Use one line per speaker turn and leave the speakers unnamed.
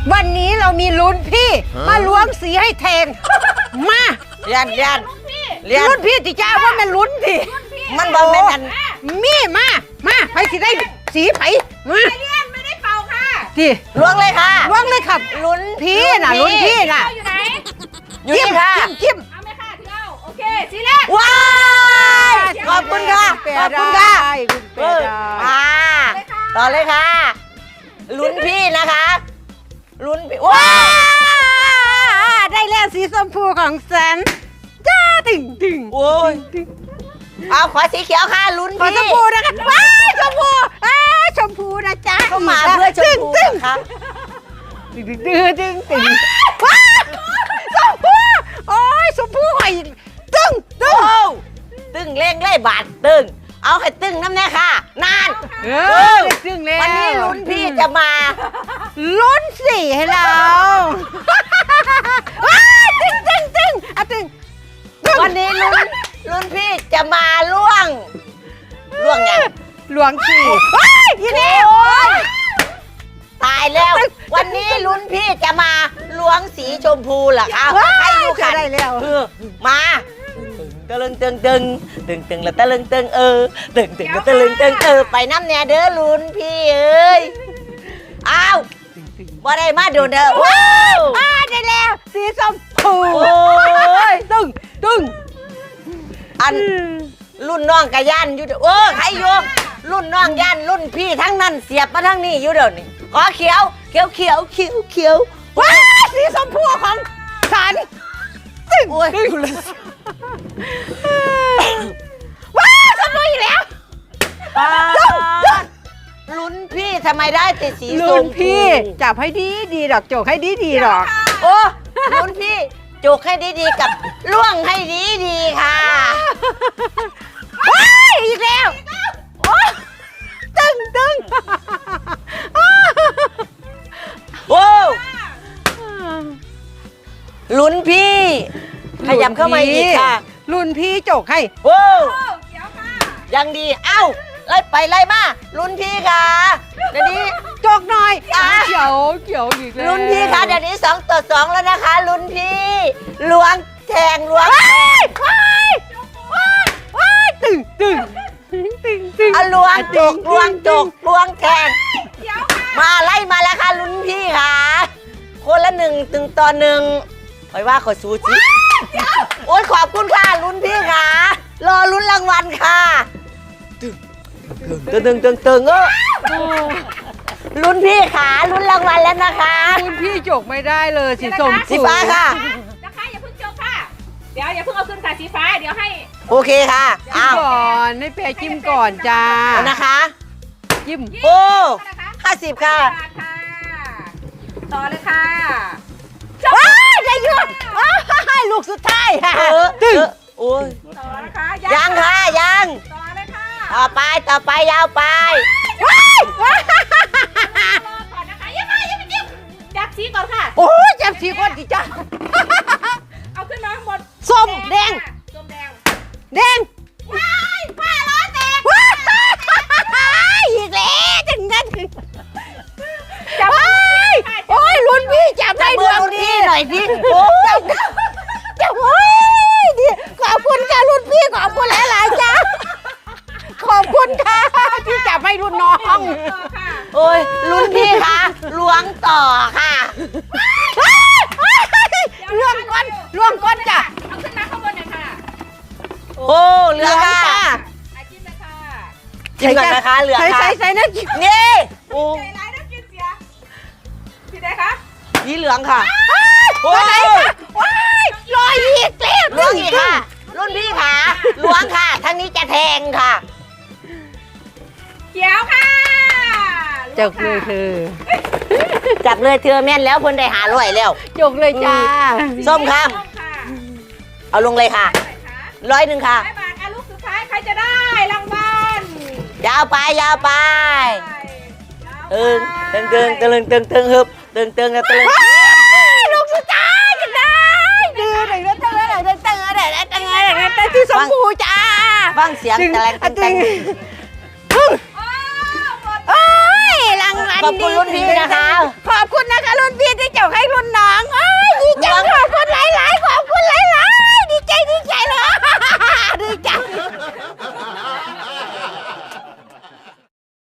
วันนี้เรามีลุ้นพี่มาล้วงสีให้แทนมา
เรียน
ลุ้นพี่ติจ้าว่ามันลุ้นดิ
มันบอกเป็นอัน
มีมาไปสิได้สีไผ่มา
เรียนไม่ได้เป่าค่ะ
ที่
ล้วงเลยค่ะ
ล้วงเลยครับลุ้นพี่น่ะลุ้นพี่น่ะ
อยู่ไหน
อยู่นี่ค่ะ
จิ้ม
เอาไหมค่ะที่เราโอเคสีแรก
ว้ายขอบคุณค่ะขอบคุณค่ะต่อเลยค่ะลุ้นพี่นะคะลุ้นพี่ว้า
ได้แล้วสีชมพูของฉันจ้าตึง
โอ้ยเอาขอสีเขียวค่ะลุ้นพี่
ขอชมพูนะคะว้ายชมพูชมพูนะจ๊ะ
เข้ามาเพื่อชมพูค่ะ
ตึงว้าชมพูโอ้ยชมพูหอยตึง
เล่งไล่บาดตึงเอาให้ตึงน้ำแน่ค่ะนาน
ตึงแล้ว
วันนี้ลุ้นพี่จะมา
ลุ้นสีให้เราตึง
วันนี้ลุ้นพี่จะมาล่วงยัง
หลวงฉี่ยี่นี่
ตายแล้ววันนี้ลุ้นพี่จะมาล้วงสีชมพูเหรอคะให้ดูค่ะ
ได้แล้ว
มาตะลึงตึงแล้วตะลึงตึงตึงแล้วตะลึงตึงไปน้ำแน่เด้อลุ้นพี่เอ้ยอ้าวบ่ได้มาดูเด้อว้าว
ได้แล้วสีชมพู ตึง
อันรุ่นน้องกะย่านอยู่ใครอยู่รุ่นน้องย่านรุ่นพี่ทั้งนั้นเสียบมาทั้งนี้อยู่เดี๋ยวนี้ขอเขียว
ว้าสีชมพูของฉันตึงว้าชมพูอีกแล้ว
ลุ้นพี่ทำไมได้แต่สีชมพู
ลุ้นพี่จับให้ดีดอกโจกให้ดีดอก
โอ้ลุ้นพี่โจกให้ดีกับล่วงให้ดีค่ะ
อีกแล้วตึง
โอ้ลุ้นพี่ขยับเข้ามาอีกค่ะ
ลุ้นพี่โจกให้
โอ้ยังดีเอ้าไล่ไปไล่มาลุ้นพี่ค่ะเดี๋ยวนี้
โจกหน่อยเขียวอีกแล้ว
ลุ้นพี่ค่ะเดี๋ยวนี้2-2แล้วนะคะลุ้นพี่ล้วงแทง
ตึง
ล้วงจกล้วงแทงมาไล่มาแล้วค่ะลุ้นพี่ค่ะคนละ1-1คอยว่าขอสู้สิโอ๊ยขอบคุณค่ะลุ้นพี่ค่ะรอลุ้นรางวัลค่ะตึงลุ้นพี่ค่ะลุ้นรางวัลแล้วนะคะ
ลุ้นพี่จกไม่ได้เลย
สีฟ้าค่ะ
นะคะอย่าเพิ่งจกค่ะเดี๋ยวอย่าเพิ่งเอาขึ้นค่ะสีฟ้าเดี๋ยวให้
โอเคค่ะ
ก่อนให้แพรจิ้มก่อนจ้า
นะคะ
จิ้ม
โอ้50ค่ะ
ต่อเลยค่ะ
ได้ยุ่งลูกสุดท้าย
ตึงโอ้ย
ต่อนะคะ
ยังค่ะยัง
ต่อเลยค่ะ
ต่อไปยาวไป
ก่อนนะคะยังไม่จิ้มจับสีก่อนค่ะ
โอ้จับสีก่อนดิจ้า
เอาขึ้นมาหมด
ส้มแดง
ผ้าล้อแตก
อีกแล้วจังนั้นจับโอ้ยลุ้นพี่จับได้ดวงดี
หน่อยดิ
จับโอ้ยดิขอบคุณค่ะลุ้นพี่ขอบคุณหลายๆจ้าขอบคุณค่ะที่จับให้รุ่นน้อง
โอ้ยลุ้นพี่ค่ะล้วงต่อค่ะ
ล้วงก้นจ้ะ
เอาขึ้นมาข้างบนหน่อยค่ะ
โอ้เหลือค่ะ
จิ้มเลยค่ะ
จิ้มก่อนนะคะเหลือค่ะ
ใส่นะ
นี่
โอ้ใจร้ายนะกินเสียสีไหนคะ
สีเหลืองค่ะ
โอ้ยลอยอีกแล้ว
ล้วงอีกค่ะรุ่นพี่ค่ะล้วงค่ะทั้งนี้จะแทงค่ะ
เขียวค่ะ
จับเลยเธอ
แม่นแล้วคนได้500แล้ว
จกเลยจ้า
ส้มค่ะเอาลงเลยค่ะ100ค่ะ
100 บาทลูกสุดท้ายใครจะได้รางวัล
ยาวไปตึงฮึบตึงแล้วตึง
ลูกสุดท้ายจะได้ดื้อเลยตึงที่สมบูจ้า
ฟังเสียงแต่ง
รางวัล
ขอบคุณรุ่นพี่นะคะ
ขอบคุณ